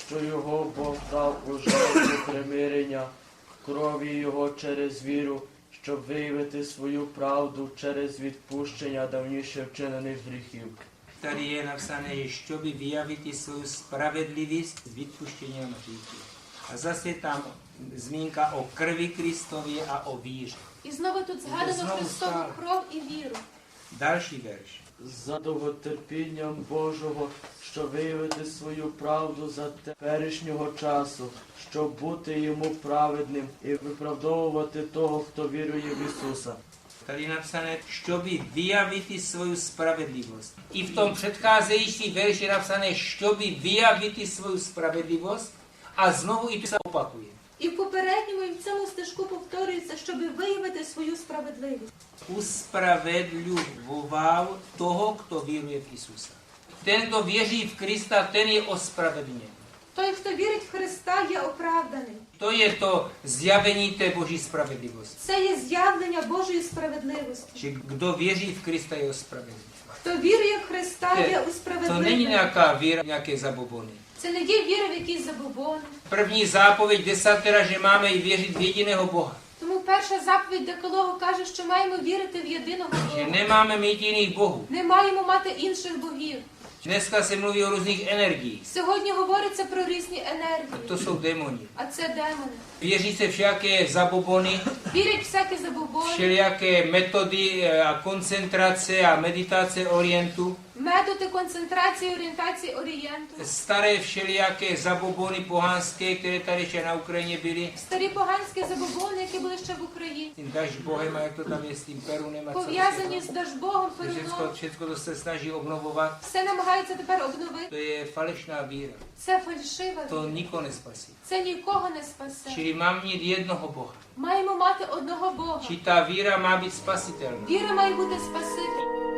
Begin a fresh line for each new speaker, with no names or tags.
що його Бог дав у жертву примирення, крові його через віру, щоб виявити свою правду через відпущення давніше вчинених гріхів.
Tady je napsané, щоб vyjaviti svou spravedlivosť s vypuštěním hříchu. A zase tam zmínka o krvi Kristově a o víře.
І знову тут згадано
Знову
Христову
стало.
кров і віру.
Další verš.
За довготерпінням Божого, щоб виявити свою правду за теперішнього часу, щоб бути йому праведним і виправдовувати того, хто вірує в Ісуса.
Tady je napsané, щоб vyjaviti svou spravedlivost. I v tom předcházející verši je napsané, щоб vyjaviti svou spravedlivost a znovu i to se opakuje.
І в попередньому, і в цьому стежку повторюється, щоб виявити свою справедливість.
Uspravedlivoval toho, kdo víruje v Isusa. Ten, kdo věří v Krista, ten je ospravedlněn.
Той, хто вірить в Христа, є оправданий.
To je to zjavení té boží spravedlivosti.
Це є з'явлення Божої справедливості.
Že kdo věří v Krista, je ospravedlněn.
Хто вірує в Христа, є
To není
усправедливий.
nějaká víra, nějaké zabobony.
Це не є віра в якісь забобони.
První zápověď desatera, že máme i věřit v jediného Boha.
Тому перша заповідь Декалогу каже, що маємо вірити в єдиного
Že
Бога.
nemáme mít jiných bohů.
Не маємо мати інших богів.
Dneska se mluví o různých energiích.
Сьогодні говориться про різні
A
енергії,
to jsou démoni.
а це демони.
Věří se všaké zabobony,
Вірять всякі забобони,
všelijaké metody a koncentrace a meditace orientu.
методи концентрації, орієнтації Орієнту.
Staré všelijaké zabobony pohanské, které tady ještě na Ukrajině byly.
Старі поганські забобони, які були ще в Україні.
Tím Dažbohem a jak to tam je s tím Perunem a co
Пов'язані з Дажбогом, Перуном.
všechno to se snaží obnovovat.
Все намагаються тепер обновити.
To je falešná víra.
Це фальшива
To
віра.
nikoho nespasí.
Це нікого не спасе.
Čili mám mít jednoho Boha.
Маємо мати одного Бога.
Či ta víra má být spasitelná.
Віра має бути Спаситель.